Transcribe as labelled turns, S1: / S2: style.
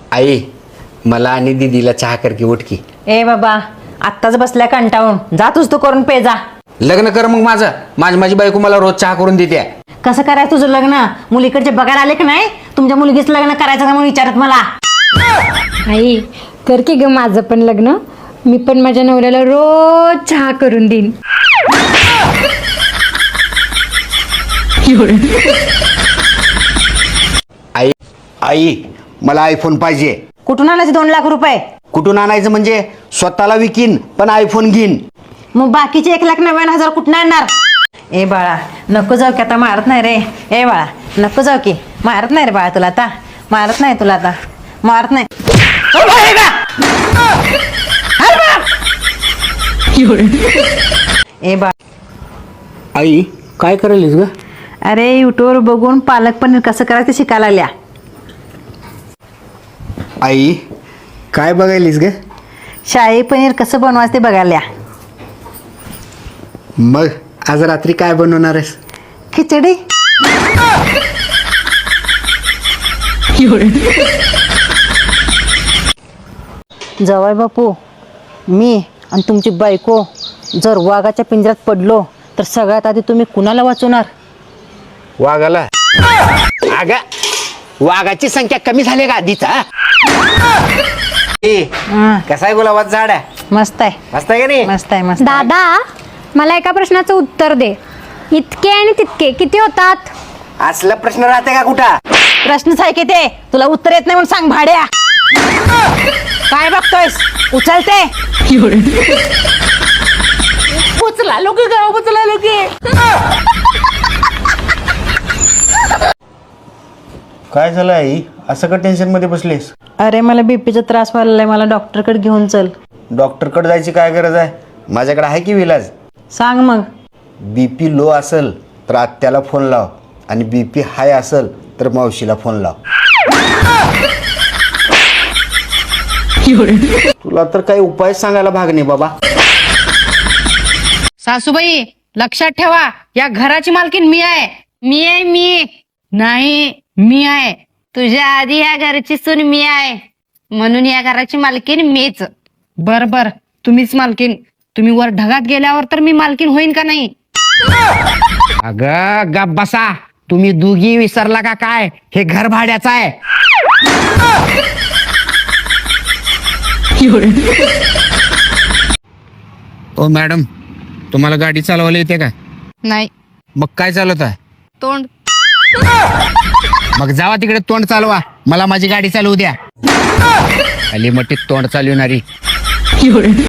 S1: आई मला आणि दीदीला चहा कर की उठ की.
S2: ए बाबा आत्ताच बसल्या कंटाळून जा तूच तू करून पे जा.
S1: लग्न कर मग माझी बायको मला रोज चहा करून देते.
S2: कसं करायचं तुझं लग्न? मुलीकडचे बघायला आले की नाही? तुमच्या मुलगीच लग्न करायचं का म्हणून विचारत मला.
S3: आई कर की ग माझं पण लग्न. मी पण माझ्या नवऱ्याला रोज चहा करून देईन.
S1: आई मला आयफोन पाहिजे.
S2: कुठून आणायचे 2 लाख रुपये?
S1: कुठून आणायचं म्हणजे स्वतःला विकीन पण आयफोन घेईन.
S2: मग बाकीचे 1,90,000 कुठून आणणार? ए बाळा नको जाऊ की आता मारत नाही रे. ए बाळा नको जाऊ की मारत नाही रे बाळा तुला आता. मारत नाही तुला आता मारत नाही. ओ बाई बा! अरे बाप! ए बा
S1: आई काय करायलीस ग?
S2: अरे युट्यूबवर बघून पालक पनीर कसं करायचं शिकायला लागल्या.
S1: आई काय बघायलीस ग?
S2: शाही पनीर कसं बनवायचं ते बघायला.
S1: मग आज रात्री काय बनवणार आहेस?
S2: खिचडी. जवाई बापू मी आणि तुमची बायको जर वाघाच्या पिंजऱ्यात पडलो तर सगळ्यात आधी तुम्ही कुणाला वाचवणार?
S1: वाघाला? अग वाघाची संख्या कमी झाली का आधीचा? कसा आहे गुलाबाचं झाड आहे?
S2: मस्त आहे
S1: मस्त आहे का नाही?
S2: मस्त आहे मस्त.
S3: दादा मला एका प्रश्नाचं उत्तर दे. इतके आणि तितके किती होतात?
S1: असला प्रश्न राहते का कुठं?
S2: प्रश्नच आहे की ते तुला उत्तर येत नाही म्हणून सांग भाड्या. काय बघतोयस? उचलते. उचला लोक उचला लोक.
S1: काय झालं आई? असं का टेन्शन मध्ये बसलीस?
S2: अरे मला बीपीचा त्रास व्हायला, मला डॉक्टरकडे घेऊन चल.
S1: डॉक्टरकडे जायची काय गरज आहे? माझ्याकडे आहे की विलाज.
S2: सांग मग.
S1: बीपी लो असेल तर आत्याला फोन लाव आणि बीपी हाय असेल तर मावशीला फोन लाव. तुला तर काही उपाय सांगायला भाग नाही बाबा.
S4: सासूबाई लक्षात ठेवा, या घराची मालकीन मी आहे. मी नाही मी आहे. तुझ्या आधी या घराची सून मी आहे म्हणून या घराची मालकीन मीच. बर तुम्हीच मालकीन. तुम्ही वर ढगात गेल्यावर तर मी मालकीन होईन का नाही?
S1: अगं गप बसा. तुम्ही दोघी विसरला का काय? हे घर भाड्याचं आहे. ओ मॅडम तुम्हाला गाडी चालवायला येते का?
S4: नाही.
S1: मग काय चालवत आहे?
S4: तोंड.
S1: मग जावा तिकडे तोंड चालवा. मला माझी गाडी चालवू द्या. अली मोठी तोंड चालवणारी.